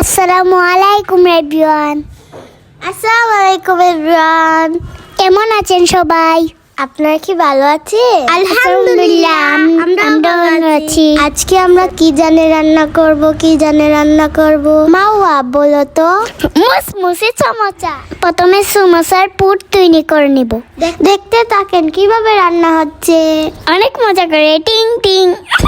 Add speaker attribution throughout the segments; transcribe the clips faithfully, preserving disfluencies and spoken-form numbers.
Speaker 1: আসসালামু আলাইকুম এভরিওয়ান। আসসালামু আলাইকুম এভরিওয়ান। কেমন আছেন সবাই? আপনারা কি ভালো আছেন? আলহামদুলিল্লাহ আমরা ভালো আছি। আজকে আমরা কি জানে রান্না করব কি জানে রান্না করব মাওয়া বলো তো। মুসমুসে সমোসা। প্রথমে সমোসার পুর তৈরি করে নিব। দেখতে থাকেন কিভাবে রান্না হচ্ছে। অনেক মজা করে টিং টিং।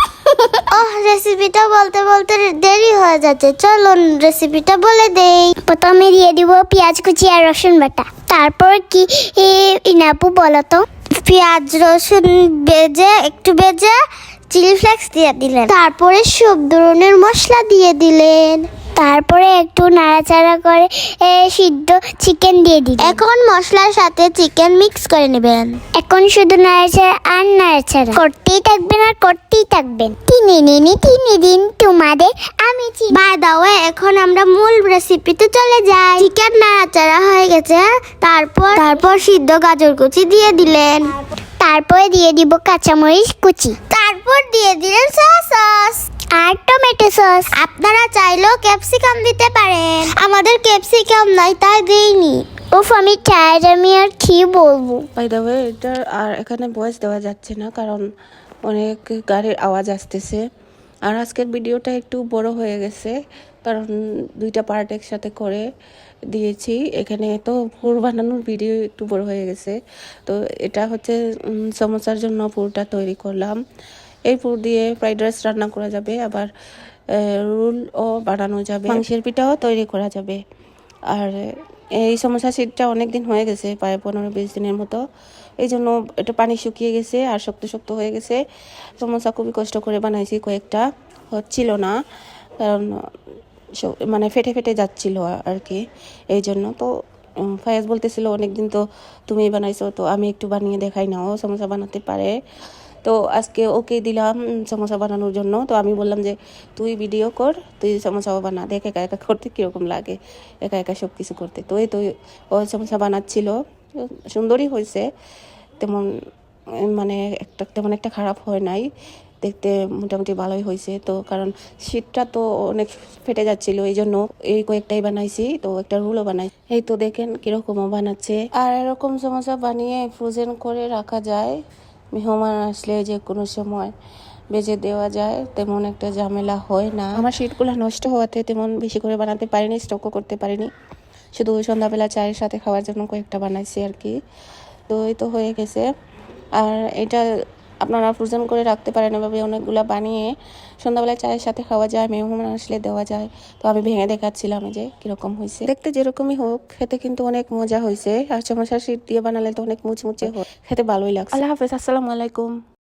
Speaker 1: ওহ, রেসিপিটা বলতে বলতে দেরি হয়ে যাচ্ছে, চলুন রেসিপিটা বলে দেই। প্রথমে দিয়ে দিব পেঁয়াজ কুচি আর রসুন বাটা। তারপর কি ইনাপু বলো তো? পেঁয়াজ রসুন ভেজে একটু ভেজে চিলি ফ্লেক্স দিয়ে দিলেন। তারপরে সব ধরনের মশলা দিয়ে দিলেন। তারপরে একটু নাড়াচাড়া করে সিদ্ধ চিকেন দিয়ে দিন। এখন মশলার সাথে চিকেন মিক্স করে নেবেন। এখন শুধু নাড়াচাড়া আর নাড়াচাড়া করতেই থাকবেন আর করতেই থাকবেন। তিনে নিনি তিনে দিন তোমাদের আমি বাই দাও। এখন আমরা মূল রেসিপিতে চলে যাই। চিকেন নাড়াচাড়া হয়ে গেছে, তারপর তারপর সিদ্ধ গাজর কুচি দিয়ে দিলেন। তারপরে দিয়ে দিব কাঁচামরিচ কুচি। তারপর দিয়ে দিলেন সয়া সস আর টমেটো সস। আপনারা চাইলেও ক্যাপসিকাম দিতে পারেন, আমাদের ক্যাপসিকাম নাই তাই দেইনি। উফ, আমি টায়ার্ড, আমি আর কি বলবো।
Speaker 2: বাই দ্য ওয়ে, এটা আর এখানে ভয়েস দেওয়া যাচ্ছে না কারণ অনেক গাড়ির আওয়াজ আসতেছে। আর আজকের ভিডিওটা একটু বড় হয়ে গেছে কারণ দুইটা পার্ট একসাথে করে দিয়েছি। এখানে তো পুর বানানোর ভিডিও একটু বড় হয়ে গেছে। তো এটা হচ্ছে সমোসার জন্য পুরটা তৈরি করলাম। এই পুর দিয়ে ফ্রাইড রাইস রান্না করা যাবে, আবার রোলও বানানো যাবে, মাংসের পিঠাও তৈরি করা যাবে। আর এই সমোসা শীতটা অনেক দিন হয়ে গেছে, প্রায় পনেরো বিশ দিনের মতো। এই জন্য এটা পানি শুকিয়ে গেছে আর শক্ত শক্ত হয়ে গেছে। সমোসা খুবই কষ্ট করে বানাইছি, কয়েকটা হচ্ছিল না কারণ মানে ফেটে ফেটে যাচ্ছিল আর কি। এই জন্য তো ফায়াজ বলতেছিল অনেকদিন তো তুমি বানাইছো, তো আমি একটু বানিয়ে দেখাই না, ও সমোসা বানাতে পারে। তো আজকে ওকে দিলাম সমোসা বানানোর জন্য। তো আমি বললাম যে তুই ভিডিও কর, তুই সমোসাও বানা, দেখ একা একা করতে কীরকম লাগে, একা একা সব কিছু করতে। তো এই তো ও সমোসা বানাচ্ছিল, সুন্দরই হয়েছে, তেমন মানে একটা তেমন একটা খারাপ হয় নাই, দেখতে মোটামুটি ভালোই হয়েছে। তো কারণ শীতটা তো অনেক ফেটে যাচ্ছিল, এই জন্য এই কয়েকটাই বানাইছি। তো একটা রুলও বানাই, এই তো দেখেন কিরকমও বানাচ্ছে। আর এরকম সমোসা বানিয়ে ফ্রোজেন করে রাখা যায়, মেহমান আসলে যে কোনো সময় বেজে দেওয়া যায়, তেমন একটা ঝামেলা হয় না। আমার শীতগুলো নষ্ট হওয়াতে তেমন বেশি করে বানাতে পারিনি, স্টকও করতে পারিনি, শুধু সন্ধ্যাবেলা চায়ের সাথে খাওয়ার জন্য কয়েকটা বানাইছি আর কি। তো এই তো হয়ে গেছে। আর এটা আপনারা ফ্রোজেন করে রাখতে পারেন, এভাবে অনেকগুলো বানিয়ে সন্ধ্যাবেলায় চায়ের সাথে খাওয়া যায়, মেহমান আসলে দেওয়া যায়। তো আমি ভেঙে দেখাচ্ছিলাম যে কীরকম হয়েছে। দেখতে যেরকমই হোক, খেতে কিন্তু অনেক মজা হয়েছে। আর সমোসা শীত দিয়ে বানালে তো অনেক মুচমুচে হয়, খেতে ভালোই লাগছে। আল্লাহ হাফেজ, আসসালামু আলাইকুম।